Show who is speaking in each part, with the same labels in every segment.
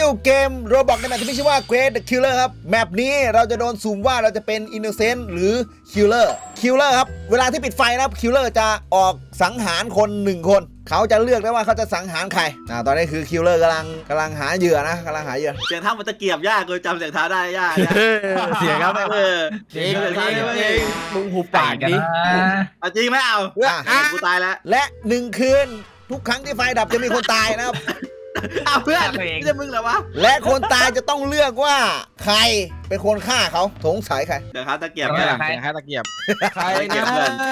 Speaker 1: เกมโรบอกในแมปที่มีชื่อว่า Quest the Killer ครับแมปนี้เราจะโดนสุ่มว่าเราจะเป็น Innocent หรือ Killer ครับเวลาที่ปิดไฟนะครับ Killer จะออกสังหารคน1คนเขาจะเลือกได้ว่าเขาจะสังหารใครตอนนี้คือ Killer กำลังหาเหยื่อนะกำลังหาเหยื่อ
Speaker 2: เสียงเท้ามันตะเกียบยากกูจำเสียงเท้าได้ยาก
Speaker 3: เสียงครับ
Speaker 2: เสียงเท้าได้เอง
Speaker 3: มึงหูปากดิ
Speaker 2: เอาจริงไหมเอากูตายแล้ว
Speaker 1: และ1คืนทุกครั้งที่ไฟดับจะมีคนตายนะครับ
Speaker 2: เอาเพื่อนไม่ใช่มึงเหรอวะ
Speaker 1: และคนตายจะต้องเลือกว่าใครเป็นคนฆ่าเขาสงสัยใคร
Speaker 2: เดี๋ยวเขาตะเกียบ
Speaker 3: เสียงตะเกียบใครนะ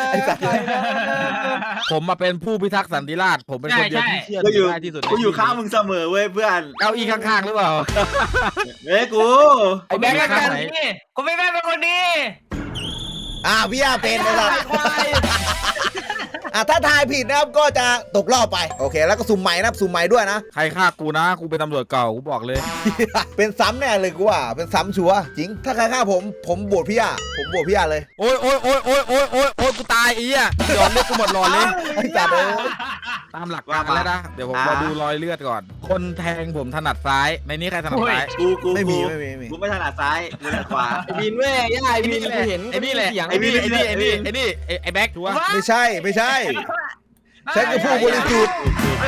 Speaker 3: ผมมาเป็นผู้พิทักษ์สันติราษฎร์ผมเป็นคนเดียวที่เชื่อถือได้ที่สุด
Speaker 2: กูอยู่ข้างมึงเสมอเว้ยเพื่อน
Speaker 3: เก้าอี้ข้างๆหรือเปล่า
Speaker 2: เฮ้ยกู
Speaker 4: ไอ้แบงค์กันนี่กูไม่แม่เป็นคนดี
Speaker 1: พี่อาเป็นนะครับถ้าทายผิดนะครับก็จะตกรอบไปโอเคแล้วก็สุ่มใหม่นะสุ่มใหม่ด้วยนะ
Speaker 3: ใครฆ่ากูนะกูเป็นตำรวจเก่ากูบอกเลย
Speaker 1: เป็นซ้ำแน่เลยกูว่าเป็นซ้ำชัวร์จริงถ้าใครฆ่าผมโหวตพี่อาเลย
Speaker 3: โอ้ยกูตายอีอ่ะหลอนเลยกูหมดหลอนเลย
Speaker 1: จัดเลย
Speaker 3: ตามหลักการแล้วนะเดี๋ยวผมมาดูรอยเลือดก่อนคนแทงผมถนัดซ้ายในนี้ใครถนัดซ้าย
Speaker 2: กูไม่ถนัดซ้ายกูถนัดขวา
Speaker 4: ไอ้บินเว้ยย่าไอ้บินกูเห็น
Speaker 3: ไอ้นี่แหละไอ้นี่ไอ้แบ็คถูกปะ
Speaker 1: ไม่ใช่ฉันก็พูดบริสุทธิ์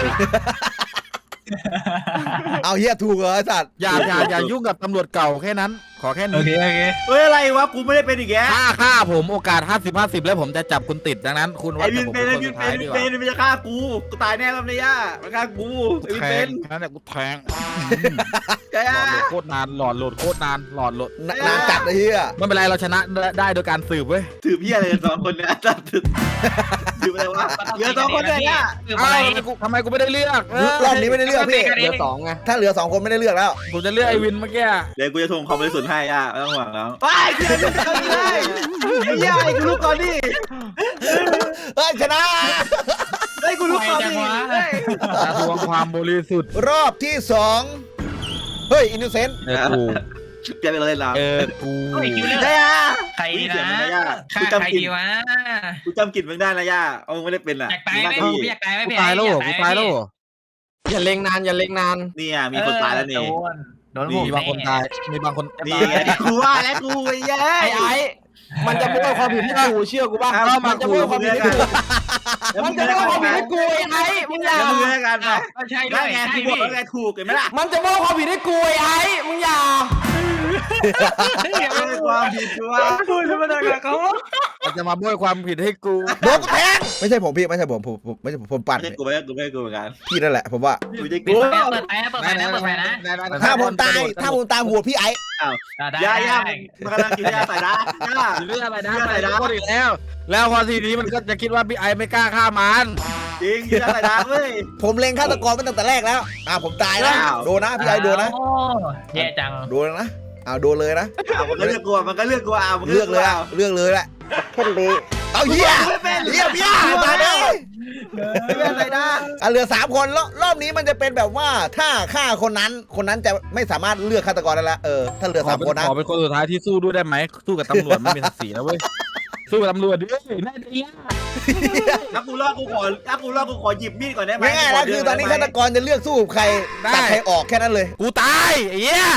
Speaker 1: เอาเฮียถูกเหรอไอ้สัตว์
Speaker 3: อย่ายุ่งกับตำรวจเก่าแค่นั้นขอแค่นี้
Speaker 4: โอเค
Speaker 2: เฮ้ยอะไรวะกูไม่ได้เป็นอีกแก
Speaker 3: ฆ่าผมโอกาส50-50แล้วผมจะจับคุณติดดังนั้นคุณว่า
Speaker 2: จะผมเป็นมันจะฆ่ากูตายแน่แล้วเนี่ยย่ามันฆ่ากู
Speaker 3: แทงนั่นแหละกูแทงหลอดโหลดโคตรนานหลอดโหลด
Speaker 1: นานจัดเลยเฮีย
Speaker 3: ไม่เป็นไรเราชนะได้โดยการสืบเว้ย
Speaker 2: สืบพี่อะไรสองคนเนี่ยจัดสืบอะไรวะเหลือ2คนเนี่ย
Speaker 3: ทำไมกูไม่ได้เลือก
Speaker 1: รอบนี้ไม่ได้เลือกพี่
Speaker 4: เหลือ2ไง
Speaker 1: ถ้าเหลือ2คนไม่ได้เลือกแล้ว
Speaker 3: ผมจะเลือกไอวินเมื่อกี้
Speaker 2: เดี๋ยวกูจะทวงความบริสุทธิ์ให้ย่าไม่ต้องห่วงแล้วไปเดี๋ยวจะทำได้ย่าไอ้กูรู้ก่อนดิ
Speaker 1: ชนะ
Speaker 2: ไอ้กูรู้ก่อนดิ
Speaker 3: ทวงความบริสุทธิ์
Speaker 1: รอบที่2เฮ้ยอินโนเซนต์
Speaker 3: กู
Speaker 2: เปลี่ยนไปเลยแล้ว
Speaker 3: กู
Speaker 2: ได้ย่า
Speaker 4: ใครนะ
Speaker 2: กูจำกินวะกูจำกินมึงได้นะย่าเอามึงไม่ได้เป็นอ่ะ
Speaker 4: อยากตายไหมอยากตายไหม
Speaker 3: ตายแล้ว
Speaker 4: อย่าเล็งนาน
Speaker 2: นี่อ่ะมีคนตายแล้วนี่
Speaker 3: มีบางคนตายมีบางคน
Speaker 2: นี่กูว่าแล้วกูแย่
Speaker 4: ไอ้มันจะไม่เอาความผิดให้กูเชื่อกูป่ะมันจะไม่เอาความผิดให้กูมันจะไม่เอาความผิดให้กูไอ้มึงอย่า
Speaker 2: มึงกันไป
Speaker 4: ใช่ด้วย
Speaker 2: ไงกูบอกแล้วไงถูกเห็นไหมล่ะ
Speaker 4: มันจะไม่เอาความผิดให้กูไอ้มึงอย่า
Speaker 2: ความผิดกูว่า
Speaker 4: กูจะมาด่าเขา
Speaker 3: จะมาบ้วยความผิดให้กู
Speaker 1: โดนแทงไม่ใช่ผมพี่ไม่ใช่ผมปั่น
Speaker 2: กูไม่เหมือนกัน
Speaker 1: พี่นั่นแหละผมว่า
Speaker 4: เปิดไฟนะ
Speaker 1: ถ้าผมตายหัวพี่ไอ้
Speaker 2: ย่ามันกำลังกินยาใส่นะ
Speaker 3: เรื่องอะไรนะก็อีกแล้วพอทีนี้มันก็จะคิดว่าพี่ไอไม่กล้าฆ่ามัน
Speaker 2: จริงกินยาใส่นะเว้ย
Speaker 1: ผมเล็งฆาตกรมาตั้งแต่แรกแล้วผมตายแล้วโดนนะพี่ไอโดนนะ
Speaker 4: แย่จัง
Speaker 1: โดนนะโดนเลยนะ
Speaker 2: มันก็เลือกกูเลือก
Speaker 1: เลยแหละแค่เลยเอาเหี้ยพี่มาเลยไม่เป็นไรนะเหลือ3คนรอบนี้มันจะเป็นแบบว่าถ้าฆ่าคนนั้นจะไม่สามารถเลือกฆาตกรได้แล้วถ้าเหลือ3คนนะ
Speaker 3: ขอเป็นคนสุดท้ายที่สู้ด้วยได้ไหมสู้กับตำรวจไม่มีศักดิ์ศรีนะเว้ยสู้กับตำรวจดิน่าดี
Speaker 2: ถ้ากูรอดกูขอหยิบมีดก่อนได้ไหม
Speaker 1: ง่ายๆแล้วคือตอนนี้ฆาตกรจะเลือกสู้ใครตัดใครออกแค่นั้นเลย
Speaker 3: กูตายไอ้เหี้ย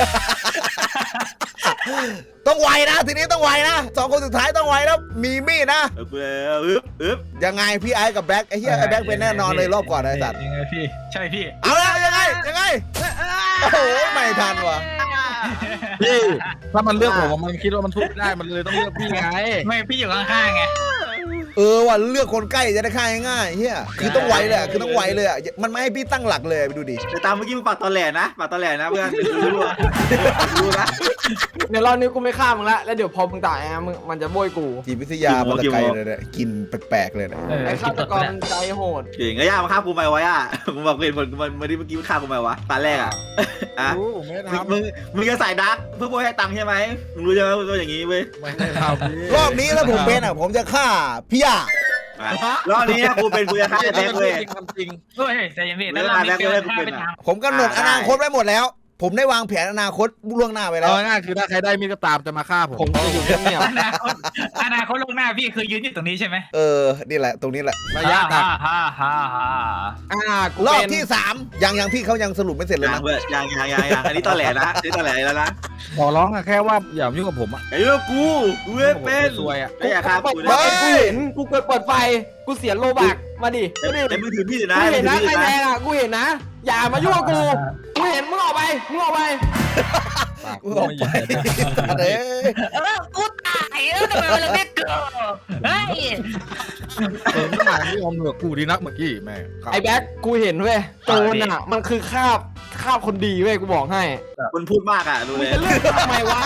Speaker 1: ต้องไวนะทีนี้ต้องไวนะ2คนสุดท้ายต้องไวแล้วมีมีดนะยังไงพี่ไอ้กับแบ็คไอ้เหี้ยไอ้แบ็คเป็นแน่นอนเลยรอบก่อนไอ้สัตว์
Speaker 4: ยังไงพี่ใช่พี่
Speaker 1: เอาแล้วยังไงโอ้โหไม่ทันว่ะ
Speaker 3: พี่ถ้ามันเลือกผมมันคิดว่ามันทุบได้มันเลยต้องเลือกพี่ไง
Speaker 4: ไม่พี่อยู่ข้างๆไง
Speaker 1: ว่ะเลือกคนใกล้จะได้ฆ่าง่ายๆเฮียคือต้องไวเลยคือต้องไวเลยมันไม่ให้พี่ตั้งหลักเลยไปดูดิ
Speaker 2: แต่ตามเมื่อกี้มึงปากตอแหลนะเพื่อนรู้นะ
Speaker 4: เดี๋ยวรอบนี้กูไม่ฆ่ามึงละแล้วเดี๋ยวพอมึงตายมันจะโบยกู
Speaker 1: จิตวิทยามันตะไกเลยเนี่ยกินแปลกๆเลยนะ
Speaker 4: ไอ้ฆาตกรใจโหด
Speaker 2: เก่งไอ้ย่ามาฆ่ากูไหมวะย่ามึงบอกเห็นผลมันเมื่อกี้ฆ่ากูไหมวะตาแรกมึงจะใส่ดักเพื่อโบยให้ตังค์ใช่ไหมมึงรู้ใช่ไหมว่าอย่างนี้เว้ย
Speaker 1: รอบนี้ถ้าผมเป็นผมจะฆ่าพี่ย่
Speaker 2: ารอบนี้กูจะฆ่าแบ็คเลย
Speaker 4: จริงเฮ้ยใจเย็นๆแล้ว
Speaker 1: ผมกำหนดอนาคตไว้หมดแล้วผมได้วางแผนอนาคตล่วงหน้าไปแล้ว
Speaker 3: เอาง่ายๆคือถ้าใครได้มีดก็ตามจะมาฆ่าผม
Speaker 4: ผมจะอยู่เงียบ
Speaker 5: อนาคตล่วงหน้าพี่คือยืนอยู่ตรงนี้ใช่ไหม
Speaker 1: นี่แหละตรงนี้แหละ
Speaker 3: ระยะตัด
Speaker 4: กู
Speaker 1: รอบ
Speaker 4: เป็น
Speaker 1: ที่3ยังพี่เขายังสรุปไม่เสร็จเลย
Speaker 2: ยัง
Speaker 1: นะ
Speaker 2: เพื่อนยังอันนี้ตอแหลนะอันนี้ตอแหลแล้วนะ
Speaker 3: ขอร้องอะแค่ว่าอย่ายุ่งกับผมอะ
Speaker 2: ไอ้เรื่องกูไม่เป็น
Speaker 3: ซวยอะ
Speaker 2: ไม่อยากฆ่ากู
Speaker 4: กู
Speaker 2: นะ
Speaker 4: เห็นกูเปิดไฟกูเสียโลบักมาดิ
Speaker 2: แต่มือถือพี่นะ
Speaker 4: กูเห็นนะ
Speaker 2: มือ
Speaker 4: ใคร
Speaker 2: ถือ
Speaker 4: แทงอ่ะกูเห็นนะอย่ามายุ่งกับกูเห็นมึงออกไป
Speaker 3: ปาก
Speaker 1: กู
Speaker 3: กู
Speaker 1: ออก
Speaker 3: ไม่
Speaker 1: ไป
Speaker 3: ใหญ่
Speaker 1: เด้อ
Speaker 5: กูตายทำไมมันเรียกเกิดเฮ้ย
Speaker 3: ไม่หมายไม่ยอมเหนือกูดีนักเมื่อกี้แม่
Speaker 4: ไอ้แบ็คกูเห็นเว้ยโจรอ่ะมันคือคาบคนดีเว้ยกูบอกให้
Speaker 2: คนพูดมากอ่ะดู
Speaker 4: มึ
Speaker 2: เล
Speaker 4: ง
Speaker 2: ย
Speaker 4: จะเลือกทำไมวะ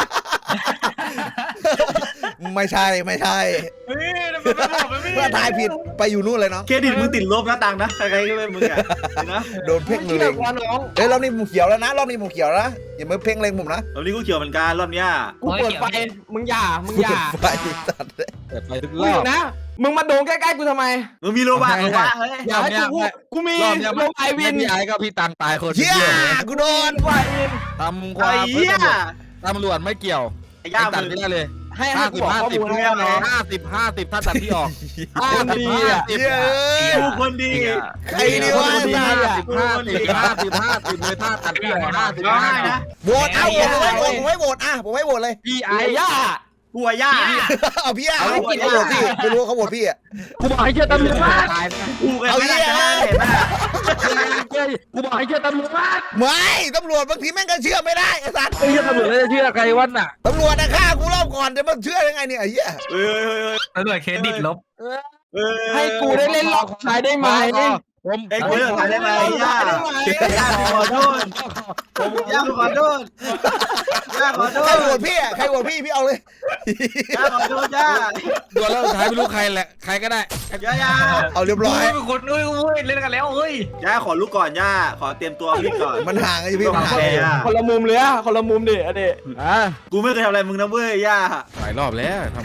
Speaker 1: ไม่ใช่
Speaker 5: เฮ้ยทำไมมันบอกมันไม่
Speaker 1: เมื่อทายผิดไปอยู่นู่นเลยเนาะ
Speaker 2: เครดิตมึงติดลบนะตังนะใครๆก็เป็นมึงอ่ะนะ
Speaker 1: โดนเพ่ง
Speaker 4: มึ
Speaker 1: เล
Speaker 4: เชื่อย กูน้อง
Speaker 1: รอบนี้ผมเขียวแล้วนะรอบนี้ผมเขียวแล้วนะอย่ามาเพ่งเล็งผมนะ
Speaker 2: รอบนี้กูเขียวเหมือนกันรอบเนี้ย
Speaker 4: กูเปิดไฟมึงอย่า
Speaker 1: ไฟสัตว์เลย
Speaker 3: เปิดไฟทุก
Speaker 4: กู
Speaker 3: รอ
Speaker 4: เห็
Speaker 3: บ
Speaker 4: นนะมึงมาโดนใกล้ๆกูทำไม
Speaker 2: มึงมีโลบาร์วะเฮ้ย
Speaker 4: อย่าให้กูพูดกูมี
Speaker 3: รอบเนี้ย
Speaker 4: โลไอวิน
Speaker 3: พี่ไอ้ก็พี่ตังตายคน
Speaker 1: เหี้ย
Speaker 3: เดียวเลย
Speaker 1: กูโดน
Speaker 4: ไอวิน
Speaker 3: ทำควา
Speaker 2: ไอ้
Speaker 3: ม
Speaker 2: เหี้ย
Speaker 3: ตำรวจไม่เกี่ยว
Speaker 2: ไอ้ย่า
Speaker 3: ตัด
Speaker 2: มึง
Speaker 3: ไม่ได้เลย
Speaker 4: ให้
Speaker 3: 50
Speaker 4: กูบอกข้อมูลให้น้อง
Speaker 3: 50 ถ้าตัดพี่ออก
Speaker 4: คนดีอ่ะ
Speaker 1: เหี้ยเอ้ย
Speaker 2: กูคนดี
Speaker 1: ใครดีวะ
Speaker 4: คนดี
Speaker 1: สัตว์
Speaker 3: 50เลยถ้าตัดพี่ออก
Speaker 2: ร้องไห้นะ
Speaker 1: โหวตเอาผมให้โหวตผมให้โหวตเลย
Speaker 3: พี่
Speaker 4: ไอ้
Speaker 3: ไอ้
Speaker 4: ย่า
Speaker 2: กูอะย่า
Speaker 1: เอาพี่เขาโหวตพี่ไม่รู้เขาโหวตพี่อ่ะ
Speaker 3: กูบอกให้เชื่อตำรวจตายนะ
Speaker 2: กูกันไม่ได้ชนะเห็นไหม
Speaker 3: กูบอกให้เชื่อตำรวจ
Speaker 1: ไม่ตำรวจบางทีแม่งก็เชื่อไม่ได้ไอ้สัตว์
Speaker 3: ไม่เชื่อตำรวจแล้วจะเชื่อใครวันน่ะ
Speaker 1: ตำรวจนะฆ่ากูรอบก่อนจะมาเชื่อยังไงเนี่ยไอ้เหี้ย
Speaker 2: เฮ้ย
Speaker 5: ตำรวจเครดิตลบ
Speaker 4: ให้กูได้เล่นล็อกชายได้ไหม
Speaker 3: ผม
Speaker 2: ไอ้กูเลิกขายได้ไหมย่าย่าขอโทษย่าขอโทษย่าขอโท
Speaker 1: ใคร
Speaker 2: ษ
Speaker 1: โหวตพี่อ่ะใครโหวตพี่เอาเลย
Speaker 2: ย่าขอโทษย่า
Speaker 3: ตัวแล้วสุดท้ายไม่รู้ใครแหละใครก็ได้
Speaker 2: ย่า
Speaker 1: เอาเรียบร้อย
Speaker 5: คนอุ้ยเล่นกันแล้วเฮ้ย
Speaker 2: ย่าขอรู้ก่อนย่าขอเตรียมตัวพี่ก่อน
Speaker 1: มันห่างไอ้พี่มันห่าง
Speaker 4: คนละมุมเลยอะคนละมุมดิอะเด
Speaker 2: กูไม่เคยทำอะไรมึงนะเว้ยย่า
Speaker 3: หลายรอบแล้วทำ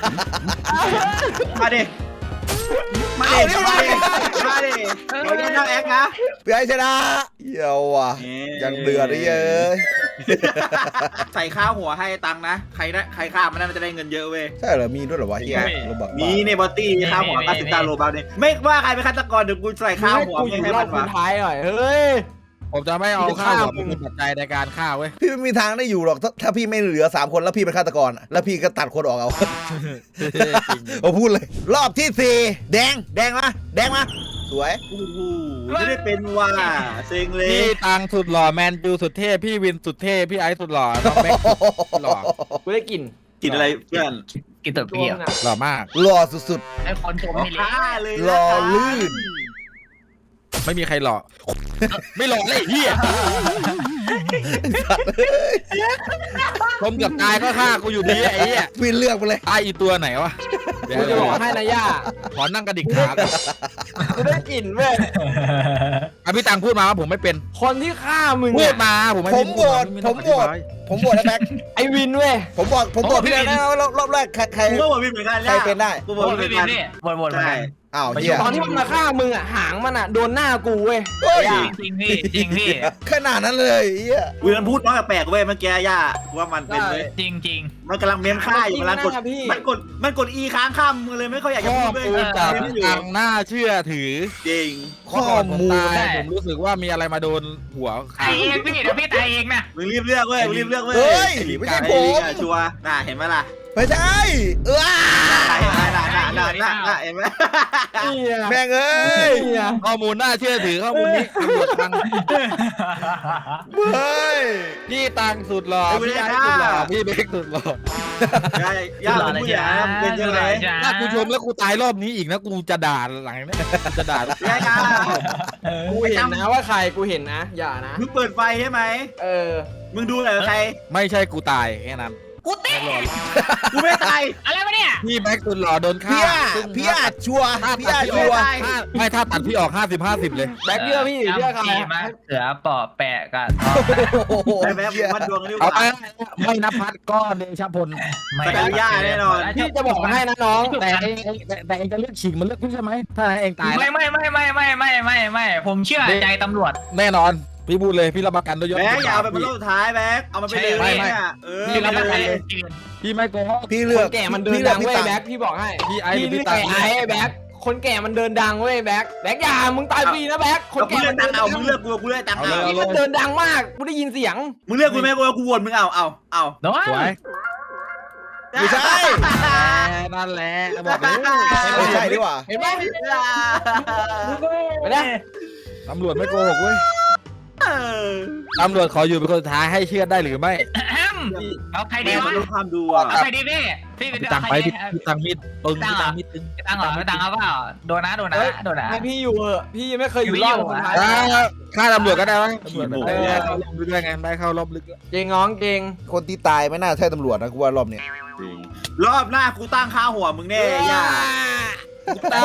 Speaker 2: มาดิมาดิมาดิมาดิเราจะนั่งแอคนะ
Speaker 1: พี่ไอ้ชนะเยี่ยวว่ะยังเดือดเลยเย้ย
Speaker 2: ใส่ข้าวหัวให้ตังนะใครได้ใครข้ามมันน่าจะได้เงินเยอะเว้ย
Speaker 1: ใช่เหรอมีด้วยเหรอวะเฮียโรบัก
Speaker 2: มีในบอตตี้ข้าวหัว90ตาโลบาเนี่ยไม่ว่าใครเป็นฆาตกรเดี๋ยวกูใส่ข้าวหัว
Speaker 4: กูอ
Speaker 2: ไม่
Speaker 4: ยู่
Speaker 2: ให้
Speaker 4: รอ
Speaker 2: มั
Speaker 4: บ
Speaker 2: น
Speaker 4: สุ
Speaker 2: วะ
Speaker 4: ดท้ายหน่อยเฮ้ย
Speaker 3: ผมจะไม่เอาข้าวหัวเป็นปัจจัยในการฆ่าเว้ย
Speaker 1: พี่ไม่มีทางได้อยู่หรอกถ้าพี่ไม่เหลือ3คนแล้วพี่เป็นฆาตกรแล้วพี่ก็ตัดคนออกเอาผมพูดเลย รอบที่4แดงมาสวย
Speaker 2: โอ้โหไม่ได้เป็นว่าเซ็งเลย
Speaker 3: พี่ตังสุดหล่อแมนจูสุดเท่พี่วินสุดเท่พี่ไอซ์สุดหล่อน้องแม็กสุดหล่อ
Speaker 4: กูได้กลิ่น
Speaker 2: กินอะไรเพื่อน
Speaker 5: กินตัว
Speaker 4: ช่
Speaker 5: เปี
Speaker 4: วย ง
Speaker 5: ก
Speaker 4: อะ
Speaker 3: หล่อมาก
Speaker 1: หล่อสุด
Speaker 5: ไอ้คนชมนี่เลย
Speaker 2: ฆ่าเลย
Speaker 1: หล่อลื่น
Speaker 3: ไม่มีใครหล่อไม่หล่อเลยเฮียผมกับกายก็ฆ่ากูอยู่ดีไอ้เหี้ย
Speaker 1: ๆพี่เลือกไปเลย
Speaker 3: ไออีตัวไหนวะ
Speaker 4: กูจะบอกให้นะย่า
Speaker 3: ขอนั่งกระดิกขาก่อน
Speaker 4: กูได้กลิ่นเว้ย
Speaker 3: อ่ะพี่ตังพูดมาว่าผมไม่เป็น
Speaker 4: คนที่ฆ่ามึง
Speaker 3: พู
Speaker 4: เนี่
Speaker 3: ด
Speaker 4: ย
Speaker 3: มาผมไม่
Speaker 1: ผมโหวตไอ้แบ็ค
Speaker 4: ไอวินเว้ย
Speaker 1: ผมบอกพี่แล้วนะรอบแรกใคร
Speaker 2: กูก็บอกพี่เหมือนกัน
Speaker 1: ใครเป็นได้
Speaker 2: กูบอก
Speaker 5: โอ้ย
Speaker 2: พี่เหมื
Speaker 5: พี่
Speaker 2: อนกัน
Speaker 5: นี่วนๆ
Speaker 2: ใช่
Speaker 1: อ้าวเฮีย
Speaker 4: ตอนที่มันมาฆ่ามึงอ่ะหางมันอ่ะโดนหน้ากูเว้ย
Speaker 1: เฮ้ย
Speaker 5: จริงพี่จริงพี่
Speaker 1: ขนาดนั้นเลยเฮีย
Speaker 2: กูมันพูดน้อยแปลกเว้ยเมื่อกี้ย่าว่ามันเป็นเว้ย
Speaker 5: จริง
Speaker 2: มันกำลังเมมค่าอยู่มันกด E ค้างค่ำมึงเลยไม่ค่อยอยากจะ
Speaker 3: ข้อ
Speaker 2: พูดเว้ย
Speaker 3: มูลจาก
Speaker 2: เมม
Speaker 3: พี่
Speaker 2: อยู่
Speaker 3: ตังน่าเชื่อถือ
Speaker 2: จริง
Speaker 1: ข้อมูล
Speaker 3: ตายผมรู้สึกว่ามีอะไรมาโดนหัว
Speaker 5: ๆตายเองพี่เดี๋ยวพี่ตายเองนะ
Speaker 2: มึงรีบเลือกเว้ยมึงรีบเลือกเว้ย
Speaker 1: เฮ้ยไม่ใช่ผม
Speaker 2: ชัวร์น่าเห็นไหมล่ะ
Speaker 1: ไม่ใช่
Speaker 2: น่
Speaker 1: น่
Speaker 2: าเห็นไหม
Speaker 4: เนี่ย
Speaker 1: แม่งเอ้ย
Speaker 4: เนี่ย
Speaker 3: ข้อมูลน่าเชื่อถือข้อมูลนี้ตำรวจตัง
Speaker 1: เฮ้ย
Speaker 3: พี่ตังสุดหล่อพี่ไอซ์สุดหล่อพี่เบคสุดหล่อย่
Speaker 2: ามึงพูดอย่างนั้นเป็นยังไง
Speaker 3: ถ้ากูชมแล้วกูตายรอบนี้อีกนะกูจะด่าหลังนี้จะด่า
Speaker 2: ย่า
Speaker 4: กูเห็นนะว่าใครกูเห็นนะ อย่านะ
Speaker 2: มึงเปิดไฟใช่ไหม
Speaker 4: เออ
Speaker 2: มึงดูหน่อยใคร
Speaker 3: ไม่ใช่กูตายแค่นั้น
Speaker 5: กูเตะ
Speaker 2: กูไม่ตาย
Speaker 5: อะไรวะเนี่ย
Speaker 3: พี่แม็กสุดหล่อโดนฆ่า
Speaker 1: พี่อาจชัวร์
Speaker 3: ถ้า
Speaker 1: พี่
Speaker 3: ตัด
Speaker 1: อาจ
Speaker 3: พี่
Speaker 1: ชั
Speaker 3: อ
Speaker 1: ว
Speaker 3: อก
Speaker 1: ร์
Speaker 3: ไม่ถ้าตัดพี่ออก50-50เลย
Speaker 4: แบ็คเยอะพี่เชื่อใคร
Speaker 5: มาเสือปอบแปะกัน
Speaker 1: โอ้โห
Speaker 2: แต่แบบมันดวงกันดีก
Speaker 3: เอา
Speaker 2: ว่า
Speaker 3: ไปไม่นับพัดก็เดชพล
Speaker 2: แต่กับย่าแน่นอน
Speaker 4: พี่จะบอกให้นะน้อง
Speaker 3: แต่เองจะเลือกฉีกมันเลือกพี่ใช่ไหมถ้าเองตาย
Speaker 5: ไม่ผมเชื่อใจตำรวจ
Speaker 3: แน่นอนพี่พูดเลยพี่รับประกันด้วยยศ
Speaker 2: แบกอย่าเอาไปเป็นรอบสุดท้ายแบกเอามันไปเลยเนี่ย
Speaker 5: พี่รับประกันเลย
Speaker 3: พี่ไม่โกหก
Speaker 1: พี่เลื
Speaker 4: ค
Speaker 1: อก
Speaker 4: นแก่มันเดินดังเว้ยแบ็คพี่บอกให้
Speaker 3: พี่ไอ้
Speaker 4: พี่
Speaker 3: พี่
Speaker 4: เลือก
Speaker 3: ตัง
Speaker 4: ไอ้แบ็คคนแก่มันเดินดังเว้ยแบ็คอย่ามึงตายฟรีนะแบ็คคน
Speaker 2: กู
Speaker 4: แก่
Speaker 2: เลือ
Speaker 4: มั
Speaker 2: ก
Speaker 4: น
Speaker 2: ตั
Speaker 4: เดิ
Speaker 2: ง
Speaker 4: น
Speaker 2: เอามึงเลือกกูเลือกตังเอา
Speaker 4: นี่มันเดินดังมากกูได้ยินเสียง
Speaker 2: มึงเลือกกูไหมกูโหวตมึงเอา
Speaker 5: โน้
Speaker 3: สวย
Speaker 1: ไม่ใช่
Speaker 3: นั่นแหละบอกเลย
Speaker 1: ไม่ใช่ดีกว่า
Speaker 4: เห็นไหมไปได้
Speaker 3: ตำรวจไม่โกหกเว้ยตำรวจขออยู่เป็นคนสุดท้ายให้เชื่อได้หรือไม่
Speaker 5: เอาใครดี
Speaker 2: แม่
Speaker 5: วะ
Speaker 2: มันรู้ความดูอ่ะ
Speaker 5: เอาใครดีพี่
Speaker 3: พี่ตังไปพี่ตังมิดปึงพี่ตังมิดตึง
Speaker 5: ตังเหรอตังเอาเปล่าโดนนะ
Speaker 4: ให้พี่อยู่เหอะพี่ยังไม่เคยอยู่รอดคนไทย
Speaker 3: ฆ่าตำรวจก็ได้วะตำรวจได้เข้ารอบลึกด้วยไงได้เข้ารอบลึก
Speaker 4: เจงน้องเจง
Speaker 1: คนที่ตายไม่น่าใช่ตำรวจนะกูว่ารอบเนี้ย
Speaker 2: รอบหน้ากูตั้งค่าหัวมึงแน่ย่า
Speaker 4: ตา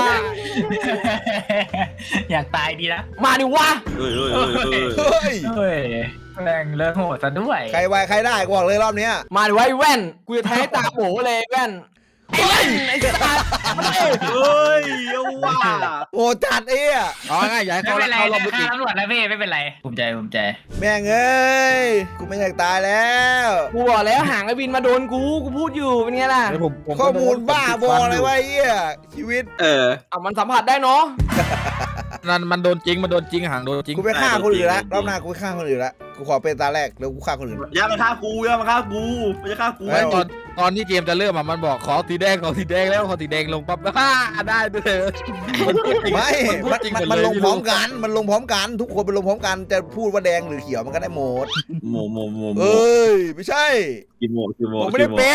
Speaker 5: อยากตายดีนะ
Speaker 4: มาดิวะ
Speaker 2: เฮ้ย
Speaker 1: เฮ้ย
Speaker 5: เฮ้ยแรงเลิกโหดซะด้วย
Speaker 1: ใครไวใครได้กูบอกเลยรอบเนี้ย
Speaker 4: มาดิวะไอ้แว่นกูจะแทงให้ตาโบเลยแว่นไอ้แว่นไอ้สัตว์มาดิ
Speaker 2: เฮ้ยเอาว่า
Speaker 1: โอ้จัดเอ้ย
Speaker 3: อ๋อง่ายอย่าให้
Speaker 5: ไม่
Speaker 3: เขา
Speaker 5: เป็นไร
Speaker 3: เข้ารอบลึกอีก
Speaker 5: ตำรวจนะพี่ไม่เป็นไรภูมิใจ
Speaker 1: แม่งเอ้ยกูไม่อยากตายแล้ว
Speaker 4: กูบอกแล้วหางไอ้บินมาโดนกูพูดอยู่เป็นไงล่ะ
Speaker 1: ข้อมูลบ้าบออะไรวะไอ้เหี้ยชีวิต
Speaker 4: เอามันสัมผัสได้เนาะ
Speaker 3: นั่นมันโดนจริงห่างโดนจริง
Speaker 1: กูไปฆ่าคนอื่นละรอบหน้ากูไปฆ่าคนอื่นละกูขอเป็นตาแรกแล้วกูฆ่าคนอื่น
Speaker 2: อย่ามาฆ่ากูไม่จะฆ่ากู
Speaker 3: ไม่ตอนที่เกมจะเริ่มมันบอกขอสีแดงแล้วขอสีแดงลงปั๊บได้ด้วย
Speaker 1: ไม่มันลงพร้อมกันมันลงพร้อมกันทุกคนมันลงพร้อมกันจะพูดว่าแดงหรือเขียวมันก็ได้หมด
Speaker 2: โม
Speaker 1: เอ้ยไม่ใช่
Speaker 2: กี่โม
Speaker 1: ผมไม่ได้เป็น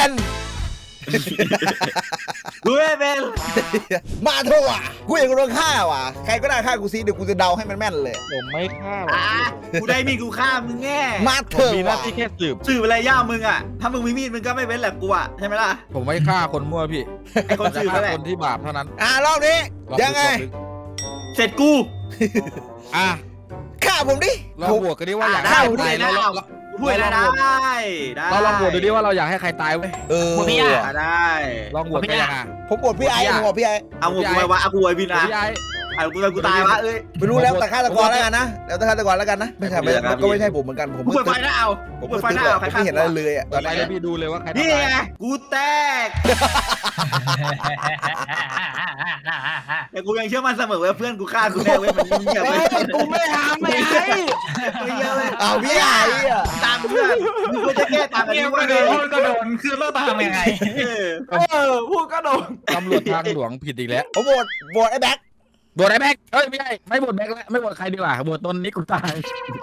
Speaker 2: กูไม่เป็น
Speaker 1: มาเถอะว่ะกูเองก็โดนฆ่าว่ะใครก็ได้ฆ่ากูซิเดี๋ยวกูจะเดาให้มันแม่นเลย
Speaker 3: ผมไม่ฆ่า
Speaker 2: กูได้มีกูฆ่ามึงแง่
Speaker 1: มาเถ
Speaker 3: ผม
Speaker 1: อะ
Speaker 3: มีหน้า
Speaker 1: ว่ะ
Speaker 3: ที่แค่สืบ
Speaker 2: สื่ออะไรย่ามึงอ่ะถ้ามึงมีมีดมึงก็ไม่เว้นแหละกูอ่ะใช่ไหมล่ะ
Speaker 3: ผมไม่ฆ่าคนมั่วพี่
Speaker 2: ไอ้คน
Speaker 3: จะ
Speaker 2: สื่อ
Speaker 3: ฆ่า
Speaker 2: นั่นแหละ
Speaker 3: คนที่บาปเท่านั้น
Speaker 1: รอบนี้ยังไง
Speaker 2: เสร็จกู
Speaker 3: อ่ะ
Speaker 1: ฆ่าผมดิ
Speaker 3: เราบวกกันดิว่าอยาก
Speaker 2: ได้
Speaker 3: ให้
Speaker 2: พูด
Speaker 3: ใคร
Speaker 2: เลย
Speaker 3: ตาย
Speaker 2: นะพูดเลยได้
Speaker 3: เราลองบวกดูดิว่าเราอยากให้ใครตายเว้ย
Speaker 2: ได้
Speaker 3: ลองบวกกันยังไง
Speaker 1: ผมบทพี่ไอ้ผมบอกพี่ไอ้
Speaker 2: เอากูไปวะเอากูไอ้บินอ่ะ
Speaker 3: พี่ไอ้
Speaker 2: เอากูตายวะเอ้ย
Speaker 1: ไม่รู้แล้วแต่ฆาตกรแล้วกันนะแล้วแต่ฆาตกรแล้วกันนะไม่ใช่มันก็ไม่ใช่ผมเหมือนกันผม
Speaker 2: กูเปิดไฟหน้าเอา
Speaker 1: ผม
Speaker 2: เปิดไฟ
Speaker 1: ตึ๊
Speaker 2: ห
Speaker 1: ด
Speaker 2: น้า
Speaker 1: ผม
Speaker 2: เอาใคร
Speaker 1: ไม่เห็นอะไรเลยอ่ะตอน
Speaker 3: ไป
Speaker 1: นี้
Speaker 3: เลยพี่ดูเลยว่าใคร
Speaker 2: นี่
Speaker 3: ตาย
Speaker 2: ไงกูแตกแต่กูยังเชื่อมันเสมอว่าเพื่อนกูฆ่ากูแน่เว้ยมันเงียบเลย
Speaker 4: กูไม่ทำไม่ไอ้
Speaker 2: ไม่เยอะเลย
Speaker 1: เอาพี่ไอ้อ่ะ
Speaker 2: ตามเพื่อนมึงควรจะแก้ตามอัน
Speaker 5: เก
Speaker 2: นี้
Speaker 5: ม
Speaker 2: ไว้
Speaker 5: ก็
Speaker 2: เล
Speaker 5: โด
Speaker 2: ย
Speaker 5: นก็โดนคือเราตามยังไง
Speaker 4: พูดก็โดน
Speaker 3: ตำรวจทางหลวงผิดอีกแล้ว
Speaker 1: ผมโหวตไอ้แบ็ค
Speaker 3: บวชไอ้แบ็คเอ้ยไม่ใช่ไม่บวชแบ็คแล้วไม่บวชใครดีกว่าบวชตนนี้กูตาย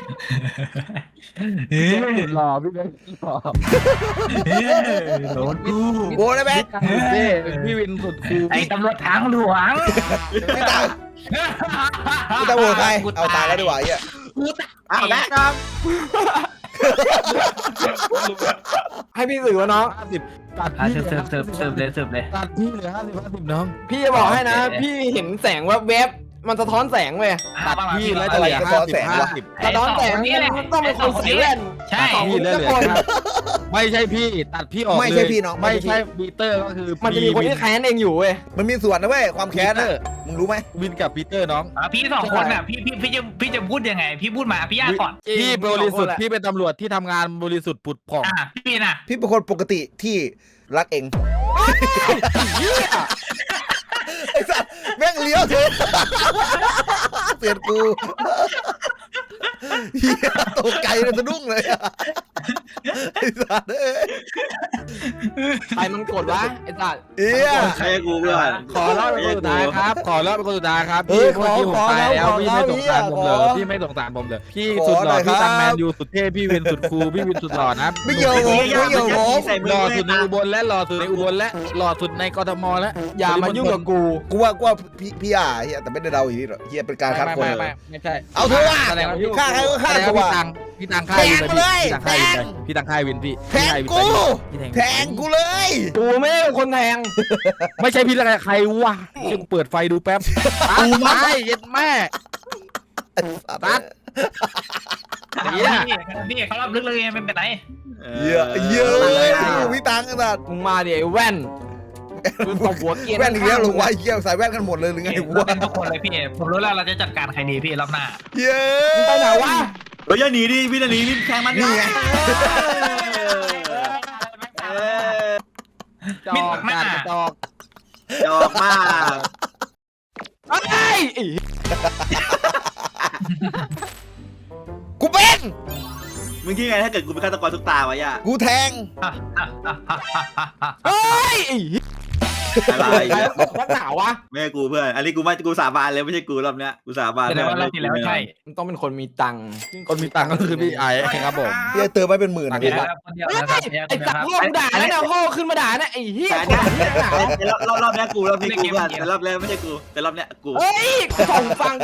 Speaker 3: หล่อพี่แบ็คหล่อ
Speaker 5: โดนกู
Speaker 1: โหวตไอ้แบ็ค
Speaker 3: พี่วินสุดคู
Speaker 5: ไอ้ตำรวจทางหลวง
Speaker 1: ไม่ตายไม่ตายโหวตใครเอาตายแล้วดีกว่าไอ้เหี้ย
Speaker 2: เอาแบกครับ
Speaker 4: ให้พี่สื่อวะน้อง
Speaker 3: 50ตัดพี่
Speaker 5: เสิร์ฟเลย
Speaker 3: ตัดพี่เหลือ50น้อง
Speaker 4: พี่จะบอกให้นะ พี่เห็นแสงแวบๆมันสะท้อนแสงเว้ย
Speaker 3: ตัดพี่แล้วจะเหลือ50
Speaker 4: สะท้อนแสงมันต้องเป็นคนใส่แว่น
Speaker 5: ใช่
Speaker 3: พี่แล้วเหลือไม่ใช่พี่ตัดพี่ออกเลย
Speaker 1: ไม่ใช่พี่น้อง
Speaker 3: ไม่ใช่ปีเตอร์ก็คือ
Speaker 4: มันจะมีคนที่แค้นเองอยู่เว้ย
Speaker 1: มันมีส่วนนะเว้ยความแค้นอ่ะมึงรู้ไหม
Speaker 3: วินกับปีเตอร์น้อง
Speaker 5: พี่สองคนอ่ะพี่จะพูดยังไงพี่พูดมาพี่ย่าก่อน
Speaker 3: พี่บริสุทธิ์พี่เป็นตำรวจที่ทำงานบริสุทธิ์ผุดผ่อง
Speaker 5: พี่ปีน่ะ
Speaker 1: พี่เป็นคนปกติที่รักเองไอ้สัสแม่งเลี้ยวเถอะเตือนกูเฮียตกใจเลยสะดุ้งเลยไอ้สัสเอ้ย
Speaker 4: ใครมันกดวะไอ้สัตว์
Speaker 1: เฮีย
Speaker 2: ใครกูเพื่อน
Speaker 3: ขอเล่าเป็นคนสุดท้ายครับขอเล่าเป็นคนสุดท้ายครับพี่เมื่อกี้ผมตายแล้วพี่ไม่สงสารผมเลยพี่ไม่สงสารผมเลยพี่สุดหล่อพี่ตังแมนยูสุดเท่พี่วินสุดคูลพี่วินสุดหล่อนะ
Speaker 1: ไม่เกี่ยวผมไม่เกี่ยวผม
Speaker 3: หล่อสุดในอุบลและหล่อสุดในอุบลและหล่อสุดในกทมและ
Speaker 4: อย่ามายุ่งกับกู
Speaker 1: กูว่าพี่อ่ะเฮียแต่ไม่ได้เดาอย่างนี้หรอกเฮียเป็นการคัดคน
Speaker 3: ไม่ใช่
Speaker 1: เอาเถอะว่ะ
Speaker 3: แสดงว่าพี่
Speaker 1: ฆ่าใครก็ฆ่า
Speaker 3: แสดง
Speaker 1: กู
Speaker 3: ว่า
Speaker 1: ว่ะ
Speaker 3: พี่ตังค่ายวินพี่ตังค่ายวินพี่
Speaker 1: แทงกูแทงกูเลย
Speaker 4: กูไม่ใช่คนแทง
Speaker 3: ไม่ใช่พี่แล้วใครวะฉันเปิดไฟดูแป๊บกูไม่เย็ดแม่ ตัด
Speaker 5: พี่เขารับลึกเลยไม่เป็นไร
Speaker 1: เยอะเยอะพี่ตังกันสัตว์
Speaker 4: มึงมาดิไอ้แว่นมึงตบหัวเกียร์
Speaker 1: แว่นอีกแล้วลงไว้เกี่ยวใส่แว่นกันหมดเลยหรือไง
Speaker 5: เราเป็นทุกคนเลยพี่ผมรู้แล้วเราจะจัดการใครดีพี่รอบหน้า
Speaker 1: เยอะ
Speaker 4: มึงไปไหนวะ
Speaker 2: เราอย่าหนีดิพี่จะหนีนี่แทงมัน
Speaker 1: นี่ไง
Speaker 3: จอกการจอก
Speaker 2: จอกมาก
Speaker 4: ไอ้
Speaker 1: กูเป็น
Speaker 2: มึงคิดไงถ้าเกิดกูเป็นฆาตกรทุกตาวะย่า
Speaker 1: กูแทง
Speaker 4: เฮ้ย
Speaker 2: อะไร
Speaker 4: ใครนักหนาวะ
Speaker 2: ไม่ใช่กูเพื่อนอันนี้กูสาบานเลยไม่ใช่กูรอบเนี้ยกูสาบาน
Speaker 5: แสดงว่าเราที่แล้วใช่
Speaker 4: มันต้องเป็นคนมีตังค์
Speaker 3: คนมีตังค์ก็คือพี่ไอ้ครับผม
Speaker 1: พี่เติมไปเป็นหมื่นนะ
Speaker 5: เดี๋
Speaker 1: พี่
Speaker 5: ยวคนเดียว
Speaker 4: เฮ้ย
Speaker 5: นะครับ
Speaker 4: ไอ้สัตว์พ่อกูด่าแล้วนะพ่อขึ้นมาด่านะไอ้เหี้ย
Speaker 2: แต่รอบเนี้ยกูรอบนี้กูเพื่อนแต่รอบแรกไม่ใช่กูแต่รอบเนี้ยกู
Speaker 4: เฮ้ยส่งฟัง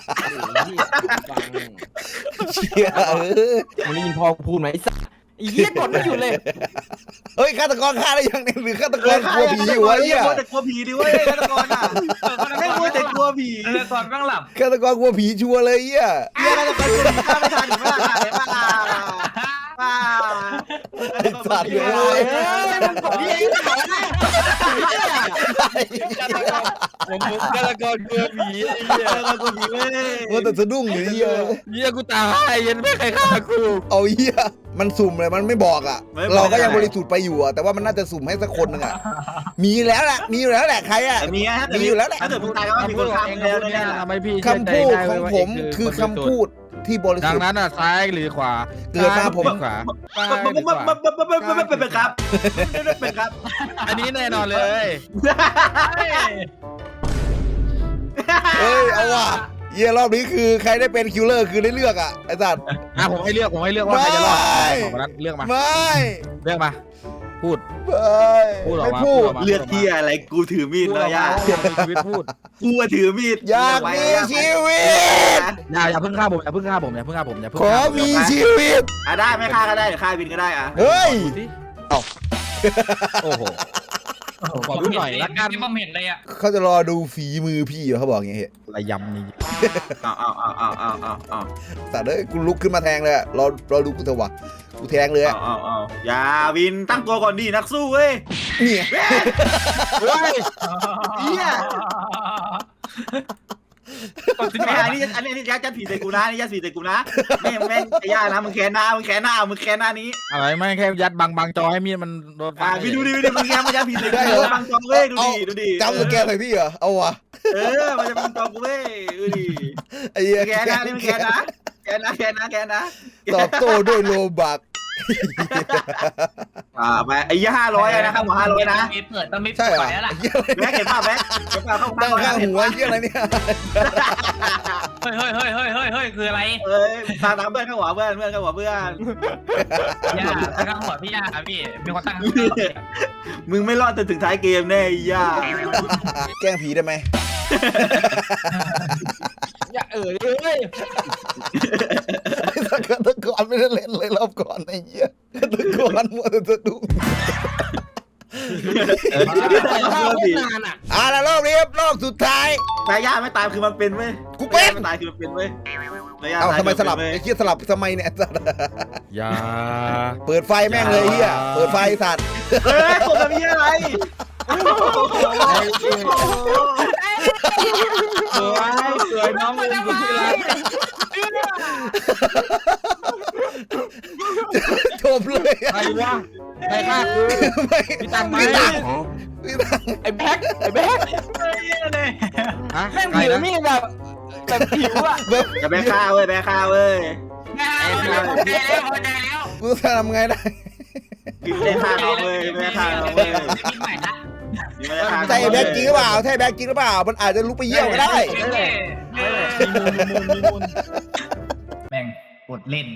Speaker 1: เชี่ย
Speaker 4: มึงได้ยินพ่อกูพูดไหมไอ้สัตว์ไอ้เหี้ยกดไม่หยุดเลย
Speaker 1: เฮ้ยฆาตกรฆ่าได้ยังเนี่ยหรือฆาตกรกลัวผีอยู่วะเหี้ย
Speaker 2: มัวแต่กลัวผีดิเว้ยฆาตกรอ่ะไม่มัวแต่กลัวผี
Speaker 5: ก่อนบ้างหลับ
Speaker 1: ฆาตกรกลัวผีชัวร์เลยเหี้ย
Speaker 2: เฮียฆาตกรกลัวผีฆ่าไม่ทันหรือไม่ทันเห็นป่ะป้า
Speaker 1: ไอ้สัตว์เลย
Speaker 4: เฮ้ยมันกดที่ไอ้สัตว์นะ
Speaker 3: ผมฆาตกรกลัวผี
Speaker 2: ฆาตกรกลัวผีเว้ย
Speaker 1: ว่าแต่สะดุ้งอยู่เหี้ย
Speaker 3: เยี่ยกูตายยันไม่ใครฆ่ากู
Speaker 1: เอาเหี้ยมันสุ่มเลยมันไม่บอกอ่ะ เราก็ยังบริสุทธิ์ไปอยู่อ่ะแต่ว่ามันน่าจะสุ่มให้สักคนนึงอ่ะมีแล้วแหละมีอยู่แล้วแหละใครอ่ะ
Speaker 2: แต่มีนะถ้าเกิด
Speaker 1: มีอยู่แล้วแหละ
Speaker 2: ถ้าเกิดมึงตายก็ว่ามีคนฆ่ามึงแล้วแน่ๆ
Speaker 3: ทำให้พี่
Speaker 1: คำพูดของผมคือคำพูดที่บริ
Speaker 3: ดั
Speaker 1: สุ
Speaker 3: ง
Speaker 1: ทธิ์
Speaker 3: นั้นอ่ะซ้ายหรือขวา
Speaker 1: เกิดมาผม
Speaker 3: ขวา
Speaker 2: ไม่เป็นครับไม่เป็นครับ
Speaker 3: อันนี้แน่นอนเลย
Speaker 1: เฮ้ยเอาว่ะเหี้ยรอบนี้คือใครได้เป็นคิลเลอร์คือได้เลือกอ่ะไอ้สัตว์
Speaker 3: ผมให้เลือกว่าใครจะรอด
Speaker 1: ไม่
Speaker 3: ของนั้นเลือกมา
Speaker 1: ไม่
Speaker 3: เลือกมาพูด
Speaker 1: ไม่พูด
Speaker 2: เลือดที่อะไรกูถือมีดแล้วย่า
Speaker 3: มีชีวิตพูด
Speaker 2: กูถือมีด
Speaker 1: อยากมีชีวิต
Speaker 3: อย่าเพิ่งฆ่าผมอย่าเพิ่งฆ่าผม
Speaker 1: ขอมีชีวิต
Speaker 2: ได้ไม่ฆ่าก็ได้หรือฆ่าวินก็ได้อ่ะ
Speaker 1: เฮ้ย
Speaker 3: โอ้โหขอดูหน่อยละกัน
Speaker 5: ที่ผมเห็นเลยอ่ะ
Speaker 1: เขาจะรอดูฝีมือพี่เหรอเขาบอกอย่างเงี้ย
Speaker 3: ระยำนี่
Speaker 2: เอา
Speaker 1: แต่เด้ยกูลุกขึ้นมาแทงเลยอะรอดูกูเถอะวะกูแทงเลยอะ
Speaker 2: อย่าวินตั้งตัวก่อนดินักสู้เว้ย
Speaker 1: เนี่ย
Speaker 3: เฮ้ย
Speaker 2: เฮียอันนี้ยัดผีใส่กูนะนี่ยัดผีใส่กูนะแม่งไอ้ย่านะมึงแค้นหน้านี้
Speaker 3: อะไรไม่แค่ยัดบังจอให้มีดมันโดน
Speaker 2: พี่ดูดิมึงแค้นมันยัดผีใส่กูบังจองเว้ยดูดิ
Speaker 1: จำสแกนใส่พี่เหรอเอาวะ
Speaker 2: มันจะบังจองกูเว้ยดูดิ
Speaker 1: ไอ้เหี้ย
Speaker 2: แค้นนะนี่มึงแค้นนะ
Speaker 1: ตอบโต้ด้วยโลบัก
Speaker 2: ไปไอ้500นะครับหมอ500นะ
Speaker 5: มีเปิดต้องมี
Speaker 1: ใช่
Speaker 5: เปิ
Speaker 1: เหรอ
Speaker 5: ดแล้วล่ะ
Speaker 1: ไอ้เหี้ยอะไร
Speaker 2: แม็กเห็นป่ะแม็กเข้า
Speaker 1: ตั้งข้างหัวไอ้เหี้ยอะไรเนี่ย
Speaker 5: เฮ้ยคืออะไร
Speaker 2: ตามเพื่อนเข้าหัวเพื่อนเข้าหัวเพื่อน
Speaker 5: ย่าตั้งหัวพี่ย่าพี่มีคนตั้ง
Speaker 2: มึงไม่รอดจนถึงท้ายเกมแน่ย่า
Speaker 1: แกล้งผีได้ไหม
Speaker 4: อย่าเลย
Speaker 1: ไอ้สักฆาตกรไม่ได้เล่นเลยรอบก่อนไอ้เหี้ยฆาตกรมัวแต่สะดุ้ง
Speaker 4: นานอ่ะ
Speaker 1: แล้วรอบนี้ครับรอบสุดท้าย
Speaker 2: แต่ย่าไม่ตายคือมันเป็นเว้ย
Speaker 1: กูเป็น
Speaker 2: ไม่ตายคือมันเป็นเว้ย
Speaker 1: ทำไมสลับไอ้เหี้ยสลับทำไมเนี่ย
Speaker 3: อย่า
Speaker 1: เปิดไฟแม่งเลยเหี้ยเปิดไฟสัตว์
Speaker 2: ผมจะมีอะไร
Speaker 3: สวยน้องมึงกูที่รัก
Speaker 1: จบเลย
Speaker 3: ใครวะใครฆ่ากู
Speaker 1: ไม่
Speaker 3: พี่ตังไหม
Speaker 1: พี่ตัง
Speaker 4: ไอ้แบ็ค
Speaker 3: ฮะ
Speaker 4: แม่ง
Speaker 3: ใคร
Speaker 4: ผิว
Speaker 3: นะ
Speaker 4: มีดแบบผิวอ่ะ
Speaker 2: อย่าไปฆ่าเว้ย
Speaker 5: แล้ว
Speaker 1: กูจะทำไงได้
Speaker 2: ไม่ฆ่าเราเว้ยไม่ฆ่าเราเว้ย
Speaker 5: ใหม่ละ
Speaker 1: ใช่แบ็คจริงหรือเปล่าใช่แบ็คจริงหรือเปล่ามันอาจจะลุกไปเยี่ยวก็ได้
Speaker 5: แม่งกดเล่น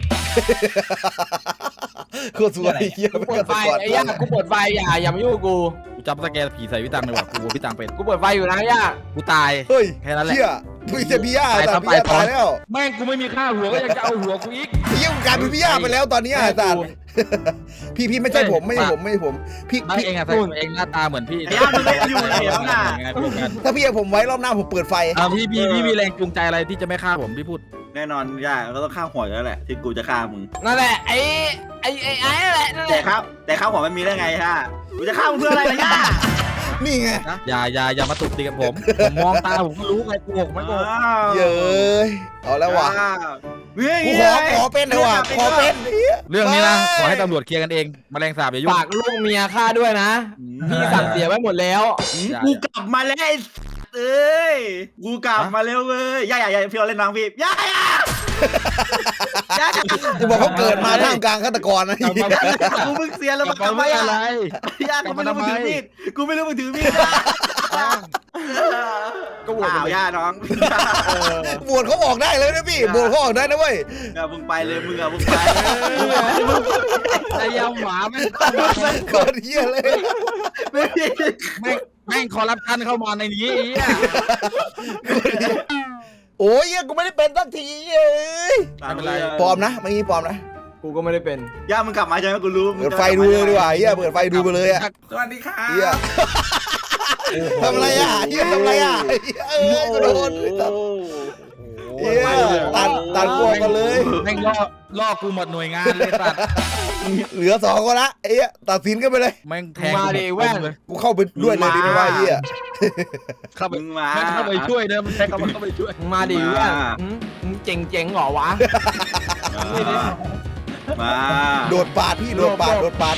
Speaker 1: โคตรสวยเยี่ย
Speaker 4: กู
Speaker 1: ไม่
Speaker 4: เปิ
Speaker 1: ก
Speaker 4: ดไฟ
Speaker 1: ระ
Speaker 4: ไอ้ย่ากูเปิดไฟอย่ามายุ่งกับกู
Speaker 3: กูจับสแกนผีใส่พี่ตังเลยว่ะกูพี่ตังเป็น
Speaker 4: กูเปิดไฟอยู่นะย่า
Speaker 3: กูตาย
Speaker 1: เฮ้ย
Speaker 3: แค่นั้นแหละ
Speaker 1: เชี่ยพี่จะพี่ย่าแต่พี่ย่าตายแล้ว
Speaker 3: แม่งกูไม่มีค่าหัวก็ยังจะเอาหัวกูอีก
Speaker 1: เยี่ยมกลายเป็นพี่ย่าไปแล้วตอนนี้อาจารย์พี่ไม่ใช่ผมไม่ใช่ผมพี่
Speaker 3: ไม่เองอะเองหน้าตาเหมือนพี่
Speaker 2: ย่ามึงไม่อยู่เลยน่ะ
Speaker 1: ถ้าพี่เอาผมไว้รอบหน้าผมเปิดไฟ
Speaker 3: พี่มีแรงจูงใจอะไรที่จะไม่ฆ่าผมพี่พูด
Speaker 2: แน่นอนย่าก็ต้องฆ่าหัวแล้วแหละที่กูจะฆ่ามึง
Speaker 4: นั่นแหละไอ้นั่นแหละ
Speaker 2: แต่ข้าวหัวมันมีได้ไงฮะกูจะฆ่ามึงเพื่ออะไรล่ะย่า
Speaker 1: นี่ไง
Speaker 3: อย่ามาตุกติกับผมมองตาผมก็รู้ไงกูไม่โกหก
Speaker 1: เย้ยเอาแล้วว่ะ
Speaker 2: เฮ้ย
Speaker 1: กูขอเป็นเลยว่ะขอเป็น
Speaker 3: เรื่องนี้นะขอให้ตำรวจเคลียร์กันเองแมลงสาบอย่ายุ่ง
Speaker 4: ฝากลูกเมียข้าด้วยนะพี่สั่งเสียไว้หมดแล้ว
Speaker 2: กูกลับมาแล้วเอ้ยกูกลับมาแล้วเว้ยอย่าพี่เอาเล่นน้องพี่อย่า
Speaker 1: กูบอกเขาเกิดมาท่ามกลางฆาตกรนะ
Speaker 2: กูมึงเสียแล้ว
Speaker 3: กลั
Speaker 2: มั
Speaker 3: บ
Speaker 2: นกลับ
Speaker 3: มา
Speaker 2: มา
Speaker 3: อะไร
Speaker 2: ย่ากูไม่รู้มึงถือมีดกูไม่รู้มึงถือมีด
Speaker 4: ก็โหวต
Speaker 2: อ้าวย่าน้อง
Speaker 1: บวชเขาออกได้เลยนะพี่บวชเขาออกได้นะเว้ย
Speaker 2: มึงไปเลยมึงมึงไป
Speaker 3: ไอ้ยำหมาแม่ง
Speaker 1: เกิดเหี้ยเลย
Speaker 3: แม่งคอร์รัปชันเข้ามาในนี้ไอ้เหี้ย
Speaker 1: โอ้ยเหี้ยกูไม่ได้เป็นสักทีเอ้ยปลอมนะไม่งี้ปลอมนะ
Speaker 4: กูก็ไม่ได้เป็น
Speaker 2: ย่ามึงกลับมาใช่ไหมกูรู้
Speaker 1: เปิดไฟดูเลยดีกว่าเฮียเปิดไฟดูไปเลยอะ
Speaker 2: สวัสดีค่ะ
Speaker 1: เฮียทำอะไรอะเฮียทำอะไรอะกูโดนเฮียตัดกลัวกันเลย
Speaker 3: แม่งล่อกูหมดหน่วยงานเลยสัตว์
Speaker 1: เหลือ2คนละเฮียตัดสินกันไปเลย
Speaker 3: แม่งแทง
Speaker 4: มาดิแว่น
Speaker 3: เลย
Speaker 1: กูเข้าไปด้วยเลยดีไหมว่าเฮีย
Speaker 3: เข้าไป
Speaker 2: มึงมา
Speaker 3: แม่งเข้าไปช่วยเนอะมันใช้คำว่าเข้าไปช่วย
Speaker 4: มึงมาดิเพื่อนมึงเจ๋งเหรอวะ
Speaker 2: มา
Speaker 1: โดดปาดพี่โดดปาด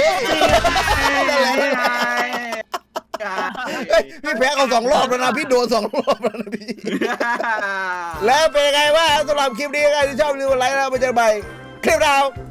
Speaker 1: พี่แพ้เขา2 รอบแล้วนะพี่โดน2 รอบแล้วนะพี่แล้วเป็นไงบ้างสำหรับคลิปนี้ใครที่ชอบรีวิวไลค์แล้วมาเจอกันใหม่คลิปดาว